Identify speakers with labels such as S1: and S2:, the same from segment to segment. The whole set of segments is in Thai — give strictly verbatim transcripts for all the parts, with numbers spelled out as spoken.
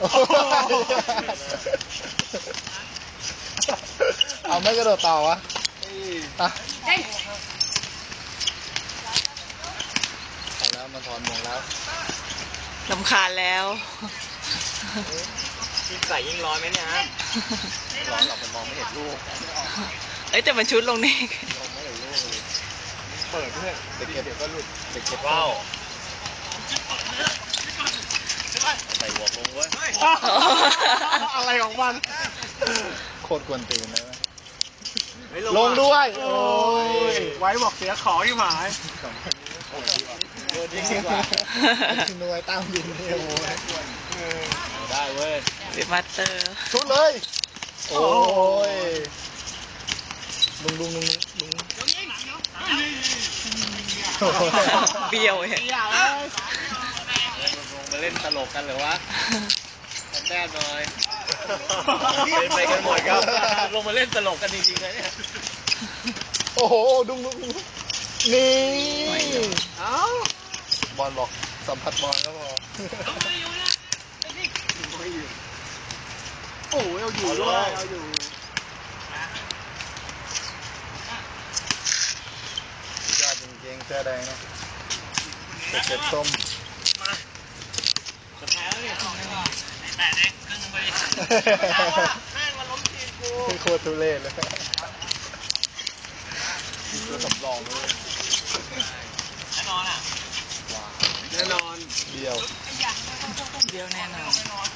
S1: เอาไม่กระโดดต่อวะอ่ะเอาแล้วมาถอนมงแล้ว
S2: ลำคาญแล้ว
S3: ยิ่งใส่ยิ่งร้อนไหมเนี่ยฮะ
S1: ร้อนหรอกมันมองไม่เห็นลูก
S2: เอ้ยแต่มันชุดลงนี่
S1: มองไม่เห็นลูกเลยเปิดเพื่อนเด็กเก็บเดี๋ยวก็หลุดเด็กเก็บ
S3: ว้าว
S1: ใส่หัวลงเว้ยอะไรของมันโคตรกวนตีนเลยลงด้วยโอ้ย
S3: ไว้บอกเสียของที่หมาย
S1: โดนยิงดีกว่าหน่วยตั้งยิงเนี่ยโอ้ยได้เว้ย
S2: เดมาสเตอร์
S1: ชุดเลยโอ้ยลุงลุงลุงลุง
S2: เบี้ยวเห็น
S1: ลงมาเล่นตลกกันเหรอวะแต้มหน่อยเป็นไปกันหมดครับลงมาเล่นตลกกันจริงๆเลยเนี่ยโอ้โหดุงดุงนี่เอ้าบอลบอกสัมผัสบอลก็พอโอ้ยเอาอยู่ด้วยเอาอยู่ยอดจริงๆเสื้อแดงนะเจ็ดส้ม
S3: มาสุดท้ายแล้วเนี่ยแต่เด็กครึ่งไปแม่งมาล้มทีมกู
S1: โคตรทุเรศเลยตัวสำรองเลย
S3: แน่นอนอ่ะแน่นอน
S1: เดียว
S2: เดียวแน่นอน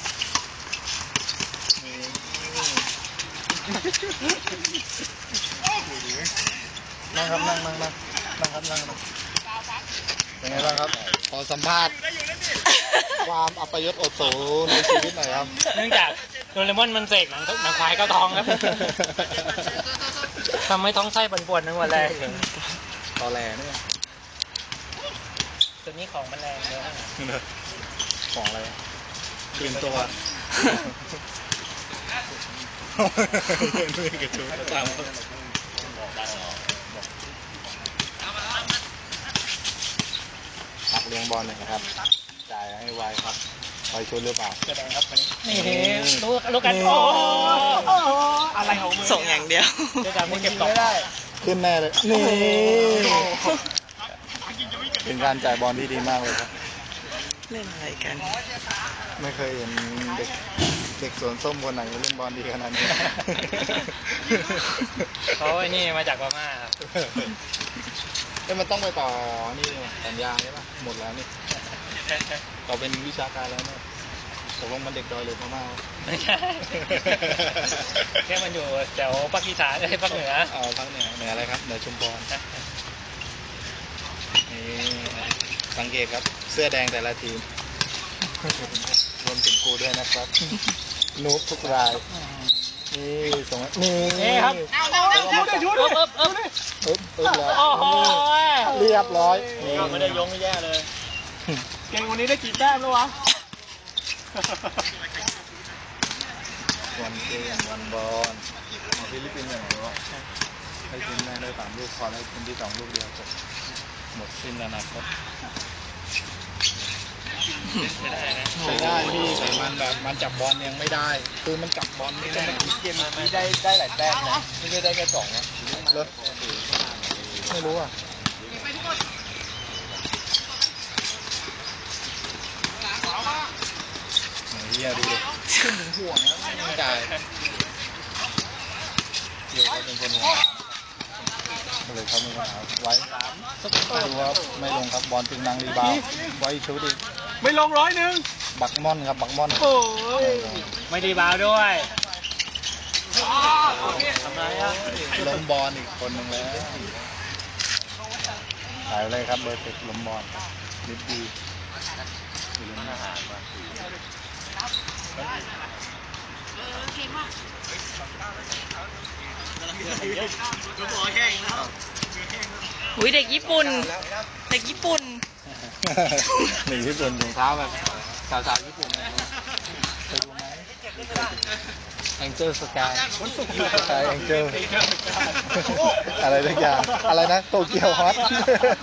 S1: นั่งครับนั่งนั่งนั่งนั่งครับนั่งนั่งเป็นไงบ้างครับขอสัมภาษณ์ความอัปยศอดสูในชีวิตหน่อยครับ
S3: เนื่องจากโดเรมอนมันเสกหนังหนังควายก็ทองครับทำให้ท้องไส้ปวดๆทั้งวันแรง
S1: ตอแหลเนี่ย
S3: ตัวนี้ของมันแรงเลย
S1: ของอะไรคืนตัวตามตักเลี้ยงบอลหน่อยครับจ่ายให้ไวครับไวชุดหรือเปล่า
S3: แสดงครับนี่รู้รู้กันโอ้อะไรของมึง
S2: ส่งอย่างเดียว
S3: เดี๋ยวมึงเก็บต่อได้
S1: ขึ้นแน่เลยนี่เป็นการจ่ายบอลที่ดีมากเลยครับ
S2: เล่นอะไรกัน
S1: ไม่เคยเห็นเด็กเด็กสวนส้มคนไหนเล่นบอลดีขนาดนี้
S3: เขาไอ้นี่มาจากพม่าครับ
S1: เอ้ยมันต้องไปต่อนี่สัญญาใช่ปะหมดแล้วนี่ต่อเป็นวิชาการแล้วเนี่ยตกลงมันเด็กดอยหรือพม่า
S3: ไม่ใช่แค่มันอยู่แถวภาคอีสานไอ้ภาคเหนือ
S1: อ๋อภาคเหนือเหนืออะไรครับเหนือชุมพรนี่สังเกตครับเสื้อแดงแต่ละทีมรวมถึงกูด้วยนะครับนุ๊กทุกรายนี่ส่งนี่
S3: นี่ครับชุดดิชุดดิเอ๊บเอ๊บ
S1: เอ๊บเอ๊บแล้วเรียบร้อย
S3: นี่ไม่ได้ยงไม่แย่เลยเก่งวันนี้ได้กี่แต้มแล้ววะ
S1: วันเกมวันบอลมาฟิลิปปินส์อย่างไรวะให้ทีมแม่ได้สามลูกพอให้ทีมที่สองลูกเดียวจบหมดสิ้นอนาคต
S3: ใช่ได้นะ
S1: ใช่ได้พี่แต่มันแบบมันจับบอลยังไม่ได้คือมันจับบอลไม่ได้เกมนี้ได้ได้หลายแต้มนะไม่ได้ได้แค่สองนะเลยไม่รู้อ่ะเฮียดูดิขึ้นถึงห่วงแล้วไม่จ่ายเดี๋ยวเขาเป็นคนหัวมาเลยเขาไม่มาไว้ดูว่าไม่ลงครับบอลจึงนางรีบาวไว้ชุดดิ
S3: ไม่ลงร้อยหนึ่ง
S1: บักม่อนครับบักม่อน
S3: โอ้ยไม่รีบาวด้วยทำไรอ่ะ
S1: ล้มบอลอีกคนหนึ่งแล้วหายเลยครับเบอร์สิบล้มบอลนิดดีอยู่เล่นอาหารมา
S2: อุ้ยเด็กญี่ปุ่นเด็กญี่ปุ่น
S1: หนึ่งญี่ปุ่นถุงเท้าแบบสาวๆญี่ปุ่นเคยดูไหมแองเจิลสกายสกายแองเจิลอะไรทุกอย่างอะไรนะโตเกียวฮอต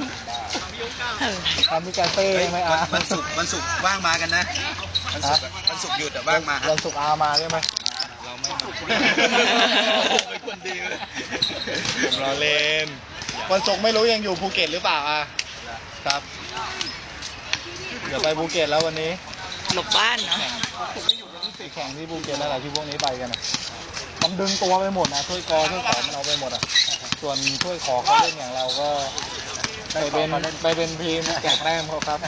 S1: ทำมีการเต้ไหมอ่ะ
S4: วันศุกร์วันศุกร์ว่างมากันนะวันศุกร์วัน
S1: วันศุกร์หยุดแต่บ้างมาวันศุกร์อามาใช่ไหมเราไม่มาไม่ควรดีเลยผมรอเล่นวันศุกร์ไม่รู้ยังอยู่ภูเก็ตหรือเปล่าอ่ะครับเดี๋ยวไปภูเก็ตแล้ววันนี้
S2: หลบบ้านเนาะ
S1: แข่งที่ภูเก็ตนั่นแหละที่พวกนี้ไปกันนะมันดึงตัวไปหมดนะถ้วยกอถ้วยขอมันเอาไปหมดอ่ะส่วนถ้วยขอเขาเล่นอย่างเราก็ไปเป็นไปเป็นทีมแจกแต้มเขาครับ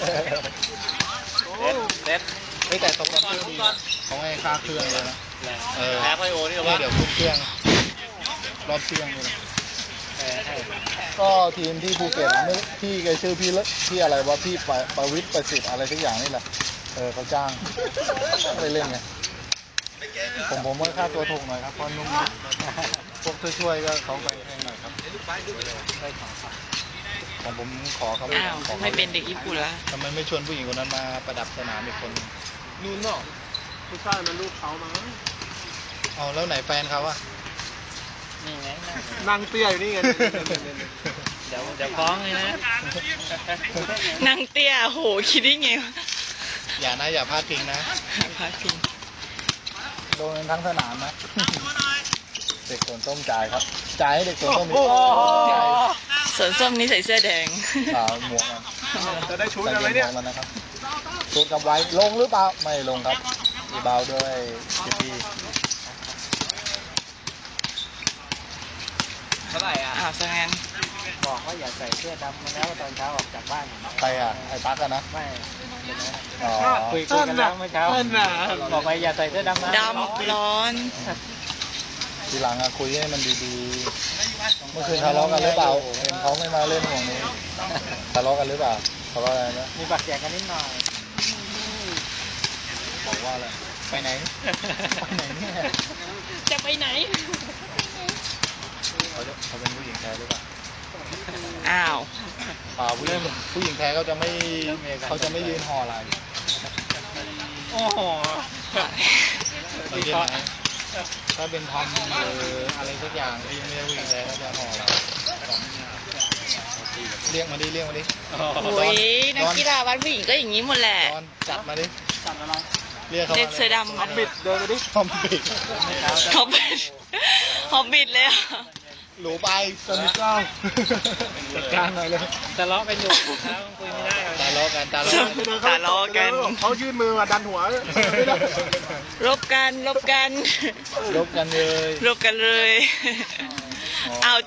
S1: เด็ดเด็ดไม่แต่ตกลงดีเขาให้ค่าเครื่องเลยนะเออ
S3: แพ้ไพโอนี่หรอ
S1: เนี่
S3: วะ
S1: ยเดี๋ยวขึ้นเครื่องรอบเครื่องเลยนะก็ทีมที่ภูเก็ตนะไม่พี่แกชื่อพี่เลพี่อะไรวะพี่ประประวิตรประสิทธิ์อะไรทุกอย่างนี่แหละเออเขาจ้างไปเล่นไงผมผมว่าค่าตัวถูกหน่อยครับเพราะนุ่มพวกช่วยๆก็เขาไปแพงหน่อยครับได้ของครับของผมขอเขา
S2: อ้าว
S1: ขอขา
S2: ไม่เป็นเด็กญี่ปุ่นละ
S1: ทำไมไม่ชวนผู้หญิงคนนั้นมาประดับสนามอีกคนนึง
S3: นู่นเนาะผู้ชายมันลูกเขามั้ง
S1: เอาแล้วไหนแฟนเขาอะ
S3: นี่ไงนั่งเตี้ยอยู่นี่ไงเดี๋ยวเดี๋ยวฟ้องเลยนะ
S2: นางเตี้ยโหคิดได้ไงวะ
S1: อย่านะอย่าพลาดพิงนะ
S2: พาพิง
S1: โดนกันทั้งสนามนะ เด็กสวนส้มจ่ายครับ จ่ายให้เด็กสวนส้มอีกจ่าย
S2: สวนส้มนี่ใส่เสื้อแดง
S1: อ่าหมวกมัน
S3: จะได้ชุดกันไหมเนี่ย
S1: ใส่หวกมันนะครับชุดกับไว้ลงหรือเปล่า ไม่ลงครับมีเบาด้วยจิปี
S3: เท่าไหร่อ่ะ
S2: อ้าวซะงั้น
S3: บอกว่าอย่าใส่เสื้อดำมาแล้วตอนเช้าออกจากบ้าน
S1: ใครอ่ะ ไอ้ปักอะนะ
S3: ไม่
S1: อ๋อ
S3: คุยกันแล้วเมื่อเช้าบอกไปอย่าใส่เสื้อดำนะ
S2: ดำร้อน
S1: ทีหลังอะคุยให้มันดีๆ เมื่อคืนทะเลาะกันหรือเปล่าเห็นเขาไม่มาเล่นห่วงนี้ทะเลาะกันหรือเปล่าทะเลาะอะไรนะ
S3: มีบัตรแจกกันนิดหน่อย
S1: บอกว่าอะไรไปไหน ไปไหนเนี่ย
S2: จะไปไหน
S1: เขาจะเขาเป็นผู้หญิงแท้หรือเปล่า
S2: อ้าว
S1: เปล่าผู้หญิงผู้หญิงแท้เขาจะไม่เขาจะไม่ยืนห่ออะไร
S3: โอ้โห
S1: เราเรียกไหมถ้าเป็นทอมหรืออะไรสักอย่างที่ไม่ใช่ผู้หญิงแท้เขาจะห่อเราเรียกมาดิเรียกมาดิ
S2: โอ้ยนักกีฬาบ้านผู้หญิงก็อย่างนี้หมดแหละ
S1: ตอนจัดมาดิ
S3: จัดอะไร
S1: เรียกเขา
S2: เด็
S1: มาก
S2: เสื้อดำมา
S1: บิดเดินไปดิทอมบิด
S2: ฮอบบิทฮอบบิทเลยอ่ะ
S1: หลูไปสนิทเก้าจัดการหน่อยเลย
S3: ทะเลาะกันอยู่แล้วคุยไม่ได้
S1: ตาล้อกันตาล้อกัน
S2: ทะเลาะกัน
S3: เขายื่นมือมาดันหัว
S2: รบกันรบกัน
S1: ลบกันเลย
S2: รบกันเลย
S1: อ๋อ
S2: เอา